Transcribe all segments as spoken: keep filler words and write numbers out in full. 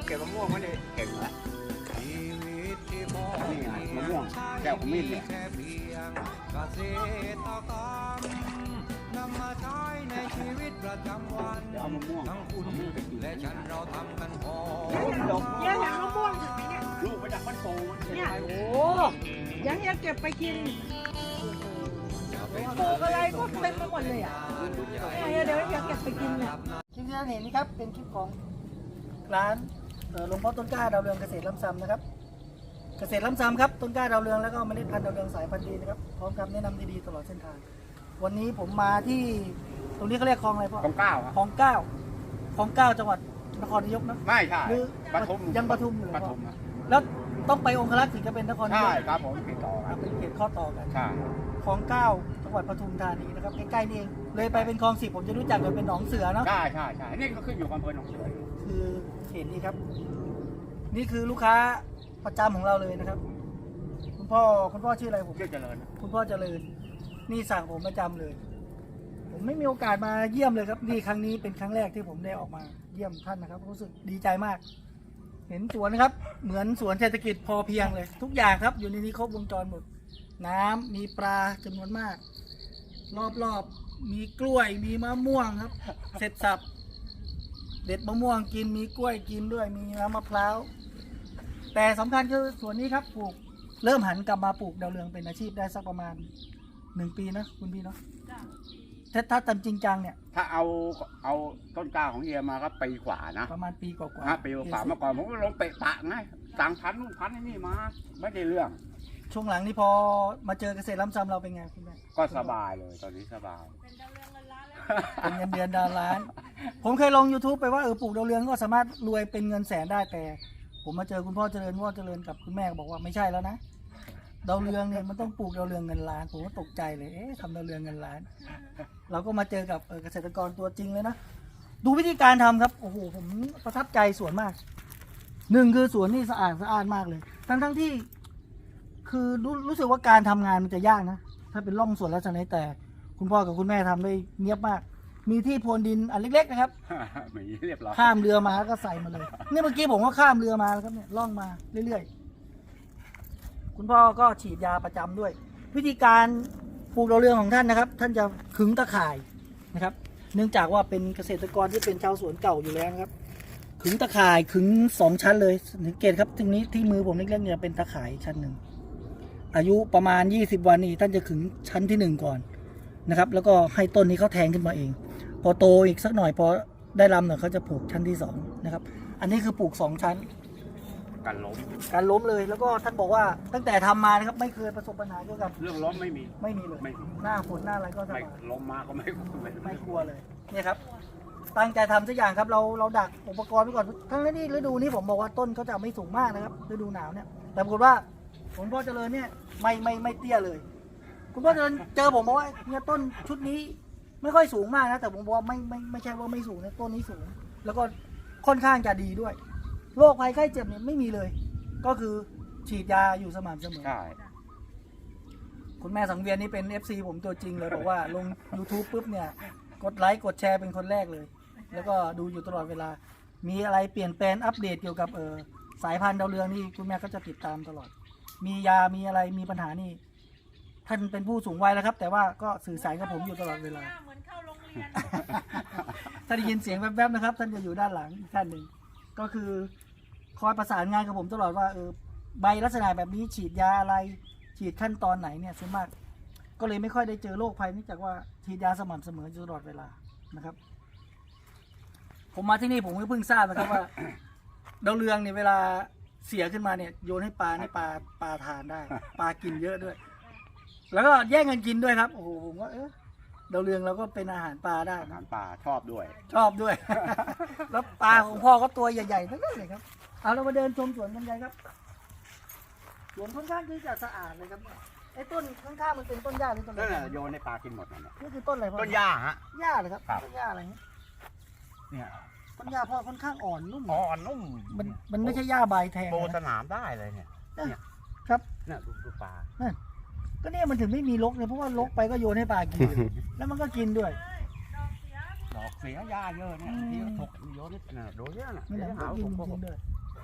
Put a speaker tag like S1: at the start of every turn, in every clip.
S1: เก็บมะม่วงไม่ได้เก่งแล้วนี่ไงมะม่วงแก้วขมิ้นเนี่ยเอามะม่วงทั้งคุณและฉันเราทำกันพอ
S2: เฮียเห็นมะม่วงถึงไหมเนี่ย
S1: ลูกมาจากบ้านโป่ง
S2: เนี่ยโอ้ยังเฮียเก็บไปกินปลูกอะไรก็เต็มไปหมดเลยอ่ะเฮียเดี๋ยวเฮียเก็บไปกินเนี่ยคลิปที่ท่านเห็นนี่ครับเป็นคลิปของร้านหลวงพ่อต้นกล้าดาวเรืองเกษตรล้ำซ้ำนะครับเกษตรล้ำซ้ำครับต้นกล้าดาวเรืองแล้วก็เมล็ดพันธุ์ดาวเรืองสายพันธุ์ดีนะครับพร้อมคำแนะนำดีๆตลอดเส้นทางวันนี้ผมมาที่ตรงนี้เขาเรียกคลองอะไรพ่อ
S1: ของเก้า
S2: คลองเก้าคลองเก้าจังหวัดนครนายกนะ
S1: ไม่ใช่
S2: หรือ
S1: ปทุม
S2: ยังปทุมอยู่เลย
S1: ป
S2: พ่อ
S1: ทุม
S2: แล้วต้องไปองครักษ์ถึงจะเป็นนครนาย
S1: ใช่
S2: ก
S1: ครับผมติดต่อกัน
S2: เป็นเขตข้อต่อกัน
S1: ใช่
S2: คลองเก้าจังหวัดปทุมธานีนะครับใกล้ๆนี่เองเลยไปเป็นคลองสิบผมจะรู้จักกันเป็นหนองเสือเนาะ
S1: ใช่ใช่ใช่นี่ก็ขึ้นอยู่กับอำเภอหนองเสือ
S2: คือเขตนี้ครับ นี่คือลูกค้าประจำของเราเลยนะครับ คุณพ่อคุณพ่อชื่ออะไรผม
S1: ชื่อเจริญ
S2: คุณพ่อเจริญนี่สั่งผมประจำเลย ผมไม่มีโอกาสมาเยี่ยมเลยครับนี่ครั้งนี้เป็นครั้งแรกที่ผมได้ออกมาเยี่ยมท่านนะครับรู้สึกดีใจมาก เห็นสวนนะครับ เหมือนสวนเศรษฐกิจพอเพียงเลย ทุกอย่างครับอยู่ในนี้ครบวงจรหมด น้ำมีปลาจำนวนมาก รอบๆมีกล้วยมีมะม่วงครับ เสร็จสับเด็ดมะม่วงกินมีกล้วยกินด้วยมีน้ำมะพร้าวแต่สำคัญคือสวนนี้ครับปลูกเริ่มหันกลับมาปลูกดาวเรืองเป็นอาชีพได้สักประมาณหนึ่งปีนะคุณพี่เนาะถ้าถ้าทำจริงจังเนี่ย
S1: ถ้าเอาเอาต้นกล้าของเฮียมาก็ปีกว่านะ
S2: ประมาณปีกว่า
S1: ฮะปีกว่าเมื่อก่อนผมก็ลงเปะปะไงสั่งพันนู่นพันนี่มาไม่ได้เรื่อง
S2: ช่วงหลังนี่พอมาเจอเกษตรล้ำซ้ำเราเป็นไงคุณแม่
S1: ก็สบายเลยตอนนี้สบาย
S2: เป็นเงินเดือนดาวล้าน ผมเคยลง YouTube ไปว่าเออปลูกดาวเรืองก็สามารถรวยเป็นเงินแสนได้แต่ ผมมาเจอคุณพ่อเจริญพ่อเจริญกับคุณแม่บอกว่าไม่ใช่แล้วนะดาวเรืองเนี่ยมันต้องปลูกดาวเรืองเงินล้านผมก็ตกใจเลยเอ๊ะทำดาวเรืองเงินล้าน เราก็มาเจอกับเกษตรกรตัวจริงเลยนะดูวิธีการทำครับโอ้โหผมประทับใจสวนมากหนึ่งคือสวนนี่สะอาดสะอาดมากเลย ทั้งทั้งที่ คือรู้รู้สึกว่าการทำงานมันจะยากนะถ้าเป็นร่องสวนแล้วจะไหนแต่ คุณพ่อกับคุณแม่ทำได้เนียบมาก มีที่พรวนดินอันเล็กๆนะครับ
S1: มีเรียบร้อย
S2: ข้ามเรือมาก็ใส่มาเลยนี่เมื่อกี้ผมก็ข้ามเรือมาแล้วครับเนี่ยล่องมาเรื่อยๆคุณพ่อก็ฉีดยาประจำด้วย วิธีการปลูกดาวเรืองของท่านนะครับ ท่านจะขึงตะข่ายนะครับ เนื่องจากว่าเป็นเกษตรกรที่เป็นชาวสวนเก่าอยู่แล้วนะครับ ขึงตะข่ายขึงสองชั้นเลยสังเกตครับตรงนี้ที่มือผมเล็กๆเนี่ยเป็นตะข่ายชั้นหนึ่งอายุประมาณยี่สิบวันนี้ท่านจะขึงชั้นที่หนึ่งก่อนนะครับ แล้วก็ให้ต้นนี้เขาแทงขึ้นมาเอง พอโตอีกสักหน่อยพอได้ลำหน่อยเขาจะปลูกชั้นที่สองนะครับ อันนี้คือปลูกสองชั้น
S1: การล้ม
S2: การล้มเลยแล้วก็ท่านบอกว่าตั้งแต่ทำมานะครับไม่เคยประสบปัญหาเกี่ยวกับ
S1: เรื่องล้มไม่มี
S2: ไม่มีเลย
S1: ไม่มี
S2: หน้าฝนหน้าอะไรก็ส
S1: ไม่
S2: บาย
S1: ล้มมาก็ไม่ไม่
S2: ไม่กลัวเลยเนี่ยครับตั้งใจทำทุกอย่างครับเราเราดักอุปกรณ์ไว้ก่อนทั้งนี้ฤดูนี้ผมบอกว่าต้นเขาจะไม่สูงมากนะครับฤดูหนาวเนี่ยแต่ปรากฏว่าผมพ่อเจริญเนี่ยไม่ไม่ไม่เตี้ยเลย คุณพ่อเจริญเจอผมบอกว่าเนี่ยต้นชุดนี้ไม่ค่อยสูงมากนะแต่ผมบอกว่าไม่ไม่ไม่ใช่ว่าไม่สูงนะต้นนี้สูง แล้วก็ค่อนข้างจะดีด้วยโรคภัยไข้เจ็บเนี่ยไม่มีเลย ก็คือฉีดยาอยู่สม่ำเสมอ
S1: ใช่
S2: คุณแม่สังเวียนนี่เป็น เอฟ ซี ผมตัวจริงเลยบอกว่าลง YouTube ปุ๊บเนี่ยกดไลค์กดแชร์เป็นคนแรกเลย แล้วก็ดูอยู่ตลอดเวลา มีอะไรเปลี่ยนแปลงอัปเดตเกี่ยวกับเออสายพันธุ์ดาวเรืองนี่คุณแม่ก็จะติดตามตลอด มียามีอะไรมีปัญหานี่ท่านเป็นผู้สูงวัยแล้วครับ แต่ว่าก็สื่อสารกับผมอยู่ตลอดเวลา
S3: เหมือนเข้าโรงเรียน
S2: ถ้าได้ยินเสียงแวบๆนะครับ ท่านจะอยู่ด้านหลังอีกท่านหนึ่งก็คือคอยประสานงานกับผมตลอดว่าเออใบลักษณะแบบนี้ฉีดยาอะไรฉีดขั้นตอนไหนเนี่ยส่วนมากก็เลยไม่ค่อยได้เจอโรคภัยเนื่องจากว่าฉีดยาสม่ำเสมออยู่ตลอดเวลานะครับ ผมมาที่นี่ผมก็เพิ่งทราบนะครับว่า ดาวเรืองเนี่ยเวลาเสียขึ้นมาเนี่ยโยนให้ปลาให้ปลาปลาทานได้ ปลากินเยอะด้วย แล้วก็แย่งกันกินด้วยครับโอ้โหผมว่าเออดาวเรืองเราก็เป็นอาหารปลาได้
S1: อา
S2: นะ
S1: หารป่าชอบด้วย
S2: ชอบด้วย แล้วปลาของพ่อก็ตัวใหญ่ๆทั้งนั้นเลยครับ เอาเรามาเดินชมสวนกันเลยครับ สวนค่อนข้างที่จะสะอาดเลยครับไอ้ต้นข้างๆมันเป็นต้นหญ้าหรือต้นอะ
S1: นั่นแห
S2: ไร
S1: ละโยนให้ปลากินหมดนั่นแหละ
S2: นี่คือต้นอะไรพ่อ
S1: ต้นหญ้าฮะ
S2: หญ้าเลยครับ
S1: ครับ
S2: ต้นหญ้าอะไรเงี้ย
S1: เนี่ย
S2: ต้นหญ้าพ่อค่อนข้างอ่อนนุ่ม
S1: อ่อนนุ่ม
S2: มันมันไม่ใช่หญ้าใบแทง
S1: โตส
S2: นะ
S1: นามได้เลยเนี่ย เนี่ย
S2: ครับ
S1: เนี่ยดูดูปลา
S2: ก็เนี่ยมันถึงไม่มีรกเลยเพราะว่ารกไปก็โยนให้ปลากิน แล้วมันก็กินด้วย
S1: ดอกเสียหญ้าเยอะเนี่ย
S2: อืม
S1: ที่เขาถกโยนนี่น่ะโดนเยอะน่ะ
S2: นั่นแหละ
S1: เดี๋ยว
S2: มัน
S1: หา
S2: ก็
S1: ว่า
S2: กิน
S1: ผม
S2: จริงๆด้วย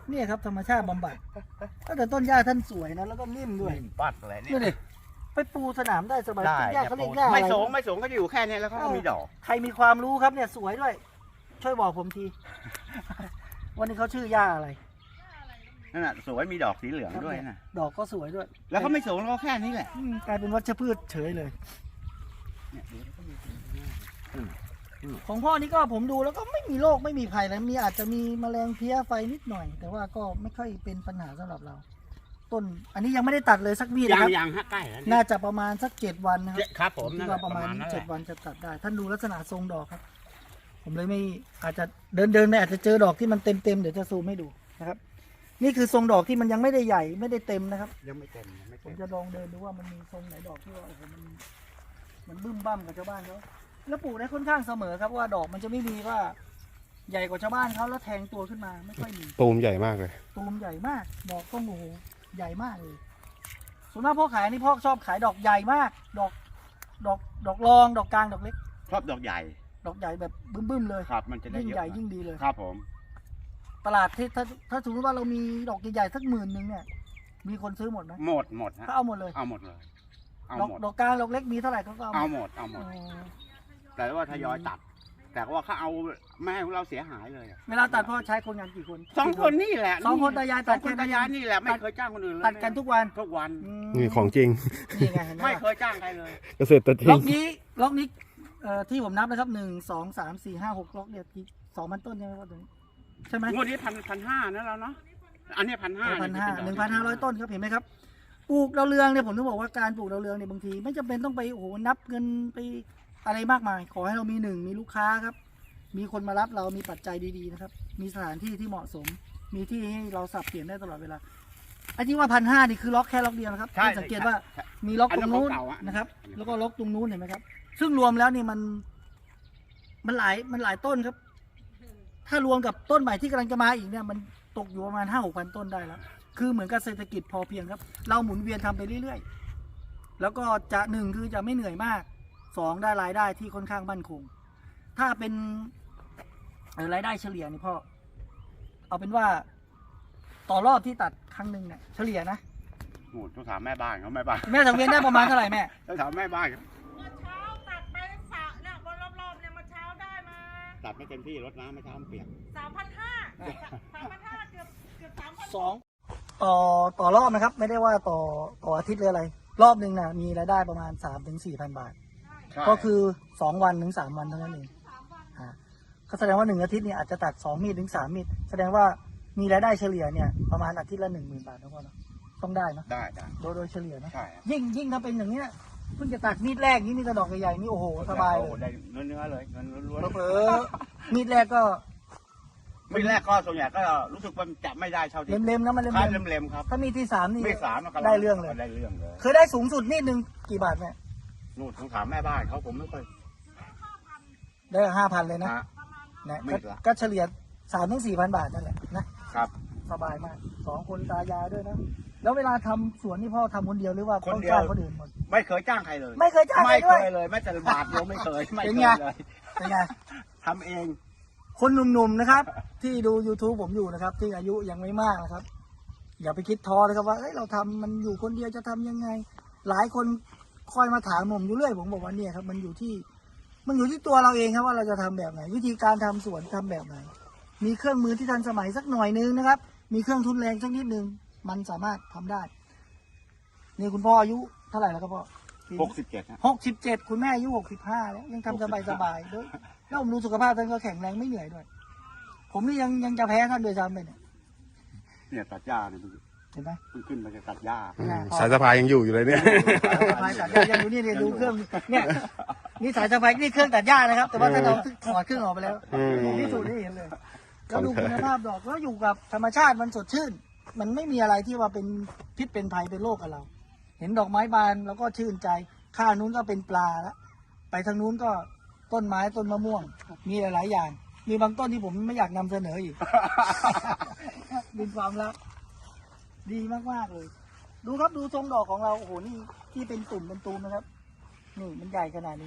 S2: เนี่ยครับธรรมชาติบำบัดแต่ต้นหญ้าท่านสวยนะแล้วก็นิ่มด้วย
S1: นิ่มปัดอะไรเนี่
S2: นี่
S1: ย
S2: ดิไปปูสนามได้สบาย
S1: ได้
S2: ต้นหญ้าเขาเรียกหญ้าอะไร
S1: ไม่สูงไม่สูงก็จะอยู่แค่นี้แล้วเขาก็มีดอก
S2: ใครมีความรู้ครับเนี่ยสวยด้วย ช่วยบอกผมที วันนี้เขาชื่อหญ้าอะไร
S1: นั่นน่ะสวยมีดอกสีเหลืองด้วยนะ
S2: ดอกก็สวยด้วย
S1: แล้วก็ไม่สูงแล้วก็แค่นี้แหละ
S2: อืมกลายเป็นวัชพืชเฉยเลย
S1: เนี่ยดูแล้วก็มี
S2: ของพ่อนี่ก็ผมดูแล้วก็ไม่มีโรคไม่มีภัยแล้วมีอาจจะมีแมลงเพี้ยไฟนิดหน่อย แต่ว่าก็ไม่ค่อยเป็นปัญหาสำหรับเรา ต้นอันนี้ยังไม่ได้ตัดเลยสักวีนะ
S1: ยั
S2: ค
S1: ง
S2: รับ
S1: ยังฮะใกล้แล้ว
S2: น่าจะประมาณสักเจ็ดวันนะครับ
S1: ครับผม
S2: คิ
S1: นั่
S2: ด
S1: นแห
S2: ว่า
S1: ละ
S2: ประมาณ
S1: นั่นแห
S2: เจ็ด
S1: ละ
S2: วันจะตัดได้ ท่านดูลักษณะทรงดอกครับ ผมเลยไม่อาจจะเดินเดินไปอาจจะเจอดอกที่มันเต็มเต็มๆเดี๋ยวจะซูมให้ดูนะครับ นี่คือทรงดอกที่มันยังไม่ได้ใหญ่ไม่ได้เต็มนะครับ
S1: ยังไม่เต็มยังไม่
S2: ผม
S1: เต็ม
S2: จะลองเดินดูว่ามันมีทรงไหนดอกที่ว่าโอ้โหมันมันบึ้มบั้มกับชาวบ้านเขาแล้วปลูกได้ค่อนข้างเสมอครับว่าดอกมันจะไม่มีว่า ใหญ่กว่าชาวบ้านเขาแล้วแทงตัวขึ้นมาไม่ค่อยมี
S3: ตูมใหญ่มากเลย
S2: ตูมใหญ่มาก ดอกต้องโอ้โหใหญ่มากเลยส่วนมากพ่อขายนี่พ่อชอบขายดอกใหญ่มาก ดอก ดอกดอกรองดอกกลางดอกเล็ก
S1: ชอบดอกใหญ่
S2: ดอกใหญ่แบบบึ้มๆเลย
S1: ครับ มันจะได้
S2: ยิ่ง
S1: เยอะ
S2: ใหญ่ยิ่งดีเลย
S1: ครับผม
S2: ตลาดที่ถ้าถ้าสมมติว่าเรามีดอกใหญ่ๆสักหมื่นหนึ่งเนี่ยมีคนซื้อหมดไหม
S1: หมดหมดฮะ
S2: เขาเอาหมดเลย
S1: เอาหมดเลย เอา
S2: ดอก
S1: หมด
S2: ดอกกลางดอกเล็กมีเท่าไหร่เขาก็เอา
S1: เอา
S2: หมด
S1: หมดเอาหมด
S2: อ๋อ
S1: แต่ว่าทยอยตัด แต่ว่าเขาเอาไม่ให้เราเสียหายเลยอะ
S2: เวลาตัดพ่อใช้คนงานกี่คน
S1: สองคนนี่แหละ
S2: สองคนตายาย
S1: ส
S2: ตั
S1: อ
S2: ด
S1: งคนตายายนี่แหละไม่เคยจ้างคนอื่นเลย
S2: ตัดกันทุกวัน
S1: ทุกวัน
S2: อืม
S3: นี่ของจริง
S2: นี่ไงเห็นไหม
S1: ไม่
S2: ล่ะ
S1: เคยจ้างใครเลย
S3: เกษตรจริ
S2: ล็อง กนี้ล็อกนี้เอ่อที่ผมนับนะครับหนึ่งสองสามสี่ห้าหกล็อกเนี่ยกี่สองพันต้นใช่ไหมครับตรงนี้ใช่ไหม
S1: งวดนี้พันพันห้านะเราเนาะ อันนี้พันห้า
S2: พันห้าหนึ่งพันห้าร้อยต้นครับเห็นไหมครับปลูกดาวเรืองเนี่ยผมต้องบอกว่าการปลูกดาวเรืองเนี่ยบางที ไม่จำเป็นต้องไปโอ้โหนับเงินไปอะไรมากมาย ขอให้เรามีหนึ่งมีลูกค้าครับ มีคนมารับเรามีปัจจัยดีๆนะครับ มีสถานที่ที่เหมาะสม มีที่ให้เราสับเปลี่ยนได้ตลอดเวลาไอ้ที่ว่าพันห้านี่คือล็อกแค่ล็อกเดียวนะครับ
S1: ใช่
S2: ให้สังเกตว่ามีล็อกตรงนู้น
S1: อันนั้นของเก่าอะ
S2: นะครับ แล้วก็ล็อกตรงนู้นเห็นไหมครับ ซึ่งรวมแล้วนี่มัน มันหลายมันหลายต้นครับ ถ้ารวมกับต้นใหม่ที่กำลังจะมาอีกเนี่ยมันตกอยู่ประมาณห้าหกพันต้นได้แล้ว คือเหมือนกับเศรษฐกิจพอเพียงครับ เราหมุนเวียนทำไปเรื่อยๆ แล้วก็จะหนึ่งคือจะไม่เหนื่อยมาก สองได้รายได้ที่ค่อนข้างมั่นคง ถ้าเป็นเอ่อรายได้เฉลี่ยนี่พ่อ เอาเป็นว่า ต่อรอบที่ตัดครั้งหนึ่งเนี่ยเฉลี่ยนะ
S1: โอ้โหต้องถามแม่บ้านเขาแม่บ้าน
S2: แม่สังเวียนได้ประมาณเท่าไหร่แม่
S1: ต้องถามแม่บ้านเขา
S4: เมื่อเช้าตัดไปสระเนี่ยบนรอบๆเนี่ยเมื่อเช้าได้มา
S1: ตัดไม่เต็มที่รดน้ำไม่เช้ามันเปียก
S4: สามพันห้าสามพันห้าเกือบเกือบสามพัน
S2: สองต่อต่อรอบนะครับ ไม่ได้ว่าต่อต่ออาทิตย์หรืออะไร รอบหนึ่งนะมีรายได้ประมาณสามถึงสี่พันบาท ก็คือสองวันถึงสามวันเท่านั้นเองอ่าก็แสดงว่าหนึ่งอาทิตย์เนี่ยอาจจะตัดสองมีดถึงสามมีดแสดงว่ามีรายได้เฉลี่ยเนี่ยประมาณอาทิตย์ละหนึ่งหมื่นบาทนะพ่อเนาะต้องได้เนอะ
S1: ได้ได้
S2: โดยโดยเฉลี่ยนะ
S1: ใช่
S2: ยิ่งยิ่งถ้าเป็นอย่างเนี้ยเพิ่งจะตัดมีดแรกนี่มีกระดอกใหญ่ๆนี่โอ้โหสบายเล
S1: โอ้โห
S2: ย
S1: ได้เนื้อเนื้อเลยเงินล้วน
S2: เผลอๆมีดแรกก็
S1: ๆมีแรกก็ส่วนใหญ่ก็รู้สึกว่าจะไม่ได้เท่าที่
S2: เล็มๆนะมันเล็
S1: ค่า
S2: ม
S1: เล็มๆครับ
S2: ๆถ้ามีดที่สามนี่
S1: ไม่สามนะครับ
S2: ได้เรื่องเลย
S1: ได้เรื่องเลย
S2: เคยได้สูงสุดมีดหนึ่งกี่บาทเนี่ย
S1: นู่นต้องถามแม่บ้านเขาผมไม่ค่อย
S2: ได้ห้าพันเลยนะ
S1: ฮะ
S2: นะ
S1: มี
S2: ก็
S1: ดละ
S2: ก็เฉลี่ยสามถึงสี่พันบาทนั่นแหละนะครับ สบายมากสองคนตายายด้วยนะแล้วเวลาทำสวนนี่พ่อทำคนเดียวหรือว่าต้องจ้างคนอื่นหมด
S1: ไม่เคยจ้างใครเลย
S2: ไม่เคยจ้างใคร
S1: ไม่
S2: ด้
S1: เค
S2: วย
S1: ยเลยแม้แต่บาทเดียวไม่เคยไม่
S2: เป็น
S1: เค
S2: ไง
S1: ยเลย
S2: เป็นไง
S1: ทำเอง
S2: คนหนุ่มๆนะครับ ที่ดู YouTube ผมอยู่นะครับ ที่อายุยังไม่มากนะครับ อย่าไปคิดท้อนะครับว่าเอ้ยเราทำมันอยู่คนเดียวจะทำยังไง หลายคนคอยมาถามผมอยู่เรื่อยผมบอกว่าเนี่ยครับมันอยู่ที่ มันอยู่ที่ตัวเราเองครับว่าเราจะทำแบบไหน วิธีการทำสวนทำแบบไหน มีเครื่องมือที่ทันสมัยสักหน่อยนึงนะครับ มีเครื่องทุนแรงสักนิดนึงมันสามารถทำได้ นี่คุณพ่ออายุเท่าไหร่แล้วครับพ่อ
S1: หกสิบเจ็ดนะ
S2: หกสิบเจ็ดคุณแม่อายุหกสิบห้าแล้วยังทำสบายสบายๆด้วยแล้วผมดูสุขภาพท่านก็แข็งแรงไม่เหนื่อยด้วย ผมนี่ยังยังจะแพ้ท่านโดยซ้ำเลยเนี่ย
S1: เนี่ยตัดหญ้าเนี่ย
S2: เห็นไหม
S1: เพิ่งขึ้นมาจะตัดหญ้า
S3: สายสะพายยังอยู่อยู่เลยเนี่ย
S2: สบายตัดหญ้ายังดูนี่เนี่ยดูเครื่องเนี่ยนี่สายสบายนี่เครื่องตัดหญ้านะครับ แต่ว่าท่านเอาถอดเครื่องออกไปแล้ว
S3: อืม
S2: ผมพิสูจน์ให้เห็นเลยแล้วดูคุณภาพดอกแล้วอยู่กับธรรมชาติมันสดชื่น มันไม่มีอะไรที่ว่าเป็นพิษเป็นภัยเป็นโรคกับเรา เห็นดอกไม้บานแล้วก็ชื่นใจ ข้างนู้นก็เป็นปลาแล้วไปทางนู้นก็ต้นไม้ต้นมะม่วง มีหลาย ๆ อย่าง มีบางต้นที่ผมไม่อยากนำเสนออีก เป็นความลับดีมาก ๆ เลย ดูครับดูทรงดอกของเรา โอ้โห นี่ที่เป็นตุ่มเป็นตูมนะครับ นี่มันใหญ่ขนาดนี้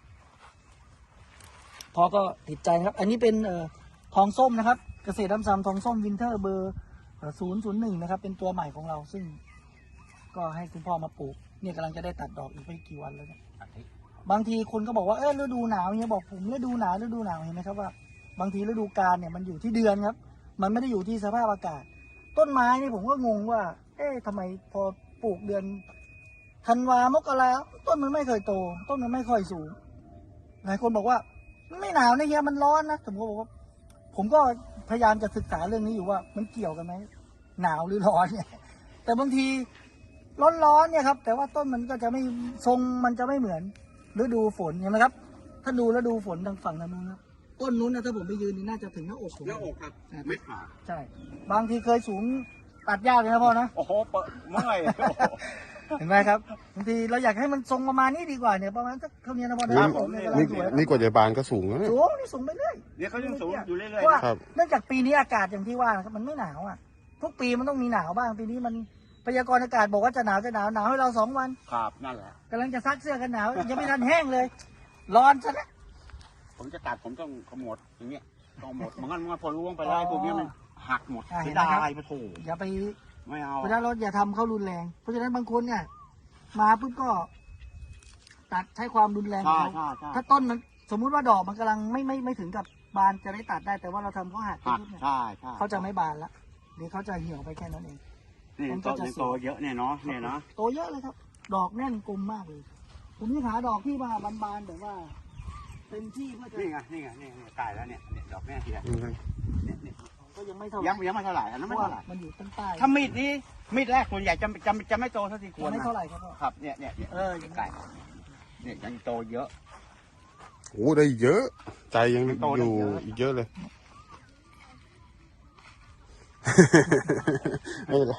S2: พอก็ติดใจนะครับ อันนี้เป็นเอ่อทองส้มนะครับ เกษตรน้ำซ้ำทองส้มวินเทอร์เบอร์ศูนย์ศูนย์หนึ่งนะครับ เป็นตัวใหม่ของเราซึ่ง ก็ให้คุณพ่อมาปลูกเนี่ยกำลังจะได้ตัดดอกอีกไม่กี่วันแล้วเนี่ยบางทีคนก็บอกว่าเออฤดูหนาวเนี่ยบอกผมฤดูหนาวฤดูหนาวเห็นไหมครับว่าบางทีฤดูกาลเนี่ยมันอยู่ที่เดือนครับ มันไม่ได้อยู่ที่สภาพอากาศ ต้นไม้นี่ผมก็งงว่า เอ๊ะทำไมพอปลูกเดือนธันวามกราต้นมันไม่เคยโต ต้นมันไม่ค่อยสูงหลายคนบอกว่าไม่หนาวนะเฮียมันร้อนนะผมก็บอกว่าผมก็พยายามจะศึกษาเรื่องนี้อยู่ว่ามันเกี่ยวกันไหมหนาวหรือร้อนเนี่ยแต่บางทีร้อนๆเนี่ยครับแต่ว่าต้นมันก็จะไม่ทรงมันจะไม่เหมือนฤดูฝนเห็นไหมครับถ้าดูฤดูฝนทางฝั่งนั้นนะครับต้นนู้นนะถ้าผมไปยืนนี่น่าจะถึงหน้าอกผม
S1: หน้าอกครับไม่ขาด
S2: ใช่บางทีเคยสูงตัดยากเลยนะพ่อนะ
S1: โอ้โหเปิดเมื่อย
S2: เห็นไหมครับบางทีเราอยากให้มันทรงประมาณนี้ดีกว่าเนี่ยประมาณสักเท่านี้นะพ่อนะ
S3: นี่
S2: ผมเนี่ยกำลั
S3: นี่
S2: งสวย
S3: นี่กว่าจะบานก็สูงแล้วเนี่ย
S2: สูงนี่สูงไปเรื่อย
S1: เนี่ยเขายังสูงอยู่เรื่อย
S2: เพราะว่า
S1: ๆ
S3: ครับ
S2: เนื่องจากปีนี้อากาศอย่างที่ว่านะครับมันไม่หนาวอ่ะทุกปีมันต้องมีหนาวบ้างปีนี้มันพยากรณ์อากาศบอกว่าจะหนาวจะหนาวหนาวให้เราสองวัน
S1: ครับนั่นแหละ
S2: กำลังจะซักเสื้อกันหนาวยังไม่ทันแห้งเลยร้อนซะนะ
S1: ผมจะตัดผมต้องขมวดอย่างเงี้ยต้องหมดมันงั้นมันพอร่วงไปได้พวกนี้มันหักหมด
S2: อ่าเห็
S1: เสี
S2: น
S1: ย
S2: ไหม
S1: ดา
S2: ครับ
S1: ยไปโถ
S2: อย่าไป
S1: ไม่เอา
S2: เวลาเราอย่าทำเขารุนแรง เพราะฉะนั้นบางคนเนี่ยมาปุ๊บก็ ตัดใช้ความรุนแรงข
S1: ใช่
S2: องเขา
S1: ใช่ใช่
S2: ถ้าต้นมันสมมุติว่าดอกมันกำลังไม่ไม่ไม่ถึงกับบานจะได้ตัดได้แต่ว่าเราทำเขาหัก
S1: หัก
S2: ปุ๊บเนี่ย
S1: ใช่ใช่
S2: เขาจะไม่บานละเดี๋ยวเขาจะเหี่ยวไปแค่นั้นเอง
S1: นี่
S2: มันก็
S1: โต
S2: จะ
S1: นี่
S2: สวย
S1: โตเยอะเนี่ยเนาะเนี่ยเนาะ
S2: โตเยอะเลยครับ ดอกแน่นกลมมากเลย ผมนี่หาดอกที่มาบานๆแบบว่าเต็มที่เพื่อจะ
S1: นี่ไงนี่ไงนี่ไงตายแล้วเนี่ยเนี่ยดอกแม่เฮีย
S3: อืม
S1: เนี่ยเนี่ย
S2: ก็ยังไม่เท่าไหร่
S1: ยังยังไม่เท่าไหร่อันนั้น
S2: เพ
S1: ไม่
S2: ราะว่า
S1: เท่าไหร่
S2: มันอยู่ต้นใต้
S1: ถ้ามีดนี้มีดแรกส่วนใหญ่จะจะจะไม่โตเท่าที่ควร
S2: ยังไม่
S1: นะ
S2: เท่าไหร่ครับพ่อ
S1: ครับเนี่ยเนี่ยเนี่ย
S2: เออ
S1: ไก่เนี่ยยังโตเยอะ
S3: โอ้ได้เยอะ ใจยัง
S1: โตได้
S3: อยู่
S1: เยอะ
S3: อีกเยอะเลย ไม่เป็นไร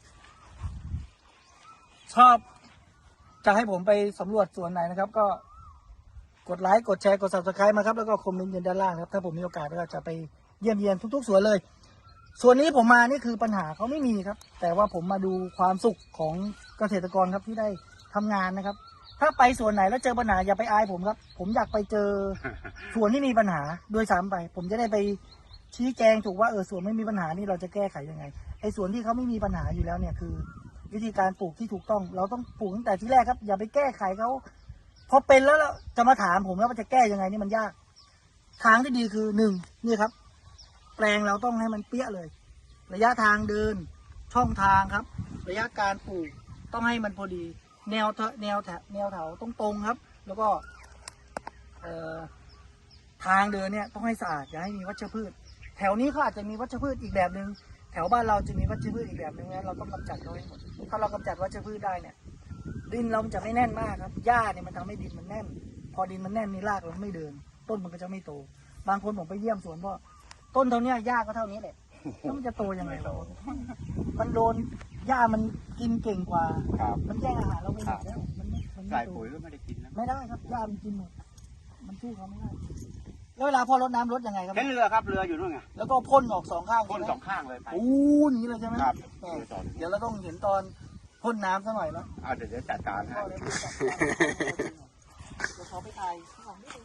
S2: ชอบจะให้ผมไปสำรวจสวนไหนนะครับ ก็กดไลค์กดแชร์กด ซับสไครบ์ มาครับแล้วก็คอมเมนต์กันด้านล่างครับถ้าผมมีโอกาสก็จะไปเยี่ยมเยียนทุกๆสวนเลย ส่วนนี้ผมมานี่คือปัญหาเขาไม่มีครับ แต่ว่าผมมาดูความสุขของเกษตรกรครับที่ได้ทำงานนะครับ ถ้าไปสวนไหนแล้วเจอปัญหาอย่าไปอายผมครับ ผมอยากไปเจอสวนที่มีปัญหาด้วยซ้ำไป ผมจะได้ไปชี้แจงถูกว่าเออสวนไม่มีปัญหานี่เราจะแก้ไขยังไงไอ้สวนที่เขาไม่มีปัญหาอยู่แล้วเนี่ยคือ วิธีการปลูกที่ถูกต้อง เราต้องปลูกตั้งแต่ที่แรกครับ อย่าไปแก้ไขเขาพอเป็นแล้วเราจะมาถามผมแล้วว่าจะแก้ยังไงนี่มันยาก ทางที่ดีคือหนึ่งนี่ครับ แปลงเราต้องให้มันเปี้ยเลย ระยะทางเดิน ช่องทางครับ ระยะการปลูกต้องให้มันพอดี แนวเถแนวแถแนวเถาต้องตรงครับ แล้วก็เอ่อทางเดินเนี่ยต้องให้สะอาดอย่าให้มีวัชพืช แถวนี้เขาอาจจะมีวัชพืชอีกแบบหนึ่งแถวบ้านเราจะมีวัชพืชอีกแบบหนึ่งนะเราต้องกำจัดเขาให้หมดถ้าเรากำจัดวัชพืชได้เนี่ย ดินเรามันจะไม่แน่นมากครับหญ้าเนี่ยมันทำให้ดินมันแน่น พอดินมันแน่นนี่รากมันไม่เดิน ต้นมันก็จะไม่โต บางคนผมไปเยี่ยมสวนพ่อต้นเท่านี้หญ้าก็เท่านี้แหละแล้วมันจะโตยังไงวะมันโดนหญ้ามันกินเก่งกว่า
S1: ครับ
S2: มันแย่งอาหารเราไปหมดแล้วมันไม่มันไม่
S1: ใส่
S2: โต
S1: ปุ๋ยก็ไม่ได้กินนะ
S2: ไม่ได้ครับหญ้ามันกินหมดมันสู้เขาไม่ได้แล้วเวลาพ่อรดน้ำรดยังไงครับ
S1: เห็นเรือครับเรืออยู่นู่นไง
S2: แล้วก็พ่นออกสองข้าง
S1: พ่น
S2: ใช่ไหม
S1: สองข้างเลยไป
S2: โอ้หนีเลยใช่ไหม
S1: ครับ
S2: เออเดี๋ยวเราต้องเห็นตอนพ่นน้ำซะหน่อยนะ
S1: เอาเดี๋ยวเดี๋ยวจัดการให้
S2: พ่อเลยไม่จับเดี๋ยวขอไปถ่ายข้างหลังนิดนึง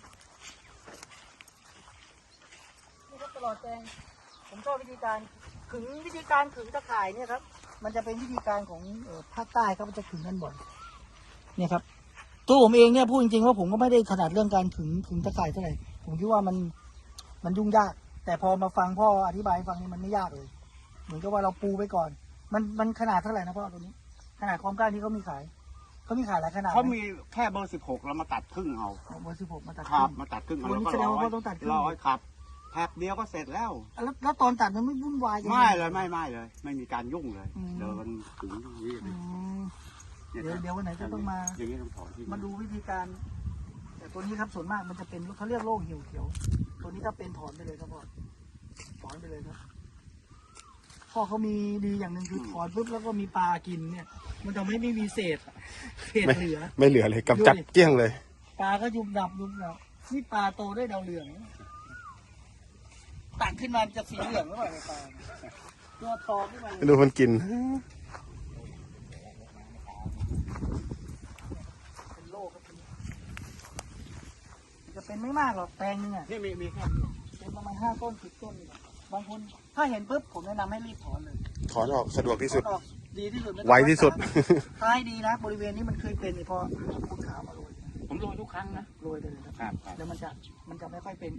S2: นี่ครับตลอดแจงผมชอบวิธีการขึงวิธีการขึงตะข่ายเนี่ยครับ มันจะเป็นวิธีการของเอ่อภาคใต้ครับมันจะขึงกันบ่อยเนี่ยครับตัวผมเองเนี่ยพูดจริงๆว่าผมก็ไม่ได้ถนัดเรื่องการขึงขึงตะข่ายเท่าไหร่ผมคิดว่ามันมันยุ่งยาก แต่พอมาฟังพ่ออธิบายให้ฟังนี่มันไม่ยากเลย เหมือนกับว่าเราปูไปก่อน มันมันขนาดเท่าไหร่นะพ่อตัวนี้ ขนาดความกล้าที่เขามีขายเขามีขายหลายขนาด
S1: เขามีแค่เบอร์สิบหกเรามาตัดครึ่งเอา
S2: เอาเบอร์สิบหกมาตัด
S1: ครับ
S2: ขึ้น
S1: มาตัดครึ่งเอา
S2: วัน
S1: แล้ว
S2: นี้
S1: ก็
S2: แสดง
S1: ร้อ
S2: ว่าย พ่อต้องตัดครึ่ง
S1: ร้อยครับแพ็คเดียวก็เสร็จแล้ว
S2: แล้วแล้วตอนตัดมันไม่วุ่นวายจัง
S1: ไม่เลยไม่ไม่เลย ไม่มีการยุ่งเลย
S2: อืม
S1: เดินถึงตรงนี้เล
S2: อื
S1: ย
S2: ม
S1: นี่
S2: เดี๋ยวเดี๋ยววันไหนจะต้องมา
S1: อย่างนี้ต้องถอนที่
S2: มาดูวิธีการ แต่ตัวนี้ครับส่วนมากมันจะเป็นเขาเรียกโรคเหี่ยวเขียว ตัวนี้ถ้าเป็นถอนไปเลยครับพ่อถอนไปเลยครับพ่อเขามีดีอย่างหนึ่งคือถอนปุ๊บแล้วก็มีปลากินเนี่ย มันทำให้ไม่มีเศษเศษ
S3: ไม่
S2: เหลือ
S3: ไม่เหลือเลยกำจัดเกลี้ยงเลย
S2: ปลาก็ยุบดับยุบดับนี่ปลาโตได้วยดาวเหลืองตักขึ้นมาจะสีเหลืองหรือเปล่าในปลาตัวทองขึ้นมาเลย
S3: ดูมันกิน
S2: เป็นโรคครับมันจะเป็นไม่มากหรอกแปลงนึงอ่ะ
S1: นี่มีมีแค่
S2: เป็นประมาณห้าต้นสิบต้นนี่แหละบางคนถ้าเห็นปุ๊บผมแนะนำให้รีบถอนเลย
S3: ถอนออกสะดวกที่สุด
S2: ถอนออกดีที่สุดม่ต้อง
S3: ไวที่สุด
S2: ท้ายดีนะบริเวณนี้มันเคยเป็นเนี่ยพอคุณขาวมาโรย
S1: ผมโรยทุกครั้งนะ
S2: โรยไปเลยครับ
S1: ครับครับ
S2: แล้วมันจะมันจะไม่ค่อยเป็น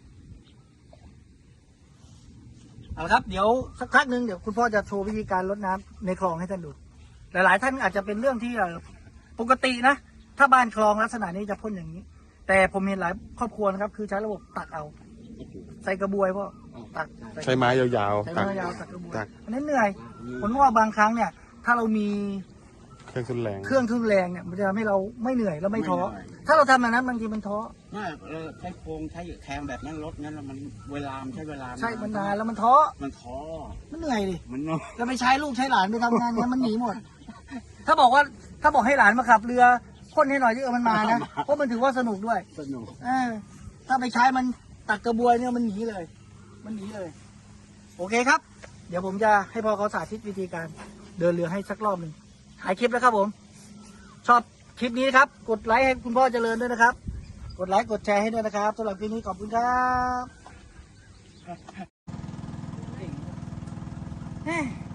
S2: เอาละครับเดี๋ยวสักพักหนึ่งเดี๋ยวคุณพ่อจะโชว์วิธีการรดน้ำในคลองให้ท่านดู หลายๆ ท่านอาจจะเป็นเรื่องที่เอ่อปกตินะ ถ้าบ้านคลองลักษณะนี้จะพ่นอย่างนี้ แต่ผมเห็นหลายครอบครัวนะครับ คือใช้ระบบตักเอา ใส่กระบวยพ่อตัก
S3: ใช้ไม้ยาว
S2: ใช้
S3: ๆตัก
S2: ไม้ยาวตักกระบวย
S3: ตัก
S2: อันนี้เหนื่อยผลว่าบางครั้งเนี่ย ถ้าเรามี
S3: เครื่องทุนแรง
S2: เครื่องทุนแรงเนี่ยมันจะทำให้เราไม่เหนื่อยแล้วไม่ท้อถ้าเราทำแบบนั้นบางทีมันท้อ
S1: ไม่เออใช้โครงใช้แทงแบบนั้นรถงั้นแล้วมันเวลามันใช้เวลา
S2: ใช่มันนานแล้วมันท้อ
S1: มันท้อ
S2: มันเหนื่อยดิ
S1: มันเนาะ
S2: แล้วไปใช้ลูกใช้หลานไปทำงานเนี้ยมันหนีหมด ถ้าบอกว่าถ้าบอกให้หลานมาขับเรือพ่นให้หน่อยที่เออมันมานะ เพราะมันถือว่าสนุกด้วย
S1: สนุก
S2: เออถ้าไปใช้มันตักกระบวยเนี่ยมันหนีเลย มันหนีเลย โอเคครับ เดี๋ยวผมจะให้พ่อเขาสาธิตวิธีการเดินเรือให้สักรอบหนึ่งถ่ายคลิปแล้วครับผม ชอบคลิปนี้ครับ กดไลค์ให้คุณพ่อเจริญด้วยนะครับ กดไลค์กดแชร์ให้ด้วยนะครับสำหรับคลิปนี้ขอบคุณครับ